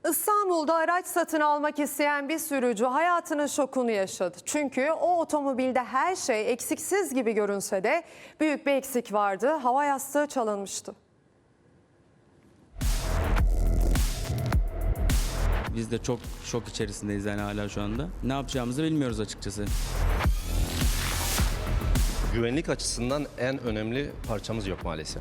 İstanbul'da araç satın almak isteyen bir sürücü hayatının şokunu yaşadı. Çünkü o otomobilde her şey eksiksiz gibi görünse de büyük bir eksik vardı. Hava yastığı çalınmıştı. Biz de çok şok içerisindeyiz yani hala şu anda. Ne yapacağımızı bilmiyoruz açıkçası. Güvenlik açısından en önemli parçamız yok maalesef.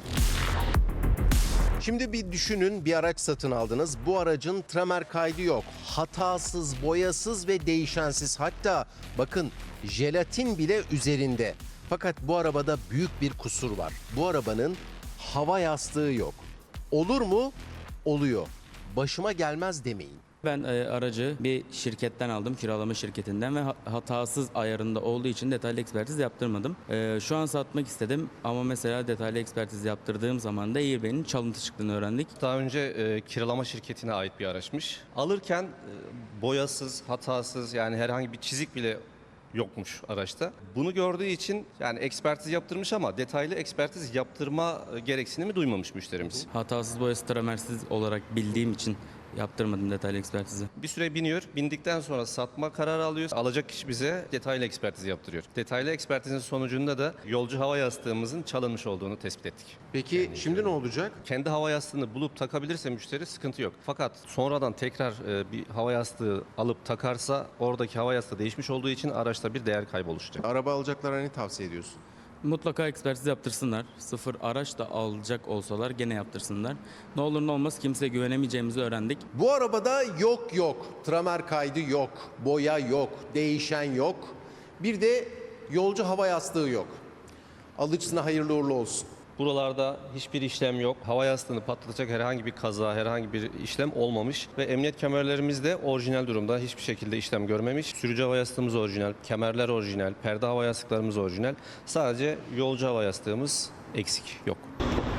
Şimdi bir düşünün, bir araç satın aldınız. Bu aracın tramer kaydı yok. Hatasız, boyasız ve değişensiz. Hatta bakın jelatin bile üzerinde. Fakat bu arabada büyük bir kusur var. Bu arabanın hava yastığı yok. Olur mu? Oluyor. Başıma gelmez demeyin. Ben aracı bir şirketten aldım, kiralama şirketinden ve hatasız ayarında olduğu için detaylı ekspertiz yaptırmadım. Şu an satmak istedim ama mesela detaylı ekspertiz yaptırdığım zaman da Airbag'in çalıntı çıktığını öğrendik. Daha önce kiralama şirketine ait bir araçmış. Alırken boyasız, hatasız yani herhangi bir çizik bile yokmuş araçta. Bunu gördüğü için yani ekspertiz yaptırmış ama detaylı ekspertiz yaptırma gereksinimi duymamış müşterimiz. Hatasız boyası tramersiz olarak bildiğim için yaptırmadım detaylı ekspertizi. Bir süre biniyor. Bindikten sonra satma kararı alıyor. Alacak kişi bize detaylı ekspertiz yaptırıyor. Detaylı ekspertizin sonucunda da yolcu hava yastığımızın çalınmış olduğunu tespit ettik. Peki şimdi ne olacak? Kendi hava yastığını bulup takabilirse müşteri sıkıntı yok. Fakat sonradan tekrar bir hava yastığı alıp takarsa oradaki hava yastığı değişmiş olduğu için araçta bir değer kaybı oluşacak. Araba alacaklara ne tavsiye ediyorsun? Mutlaka ekspertiz yaptırsınlar. Sıfır araç da alacak olsalar gene yaptırsınlar. Ne olur ne olmaz kimseye güvenemeyeceğimizi öğrendik. Bu arabada yok. Tramer kaydı yok. Boya yok. Değişen yok. Bir de yolcu hava yastığı yok. Alıcısına hayırlı uğurlu olsun. Buralarda hiçbir işlem yok. Hava yastığını patlatacak herhangi bir kaza, herhangi bir işlem olmamış. Ve emniyet kemerlerimiz de orijinal durumda. Hiçbir şekilde işlem görmemiş. Sürücü hava yastığımız orijinal, kemerler orijinal, perde hava yastıklarımız orijinal. Sadece yolcu hava yastığımız eksik, yok.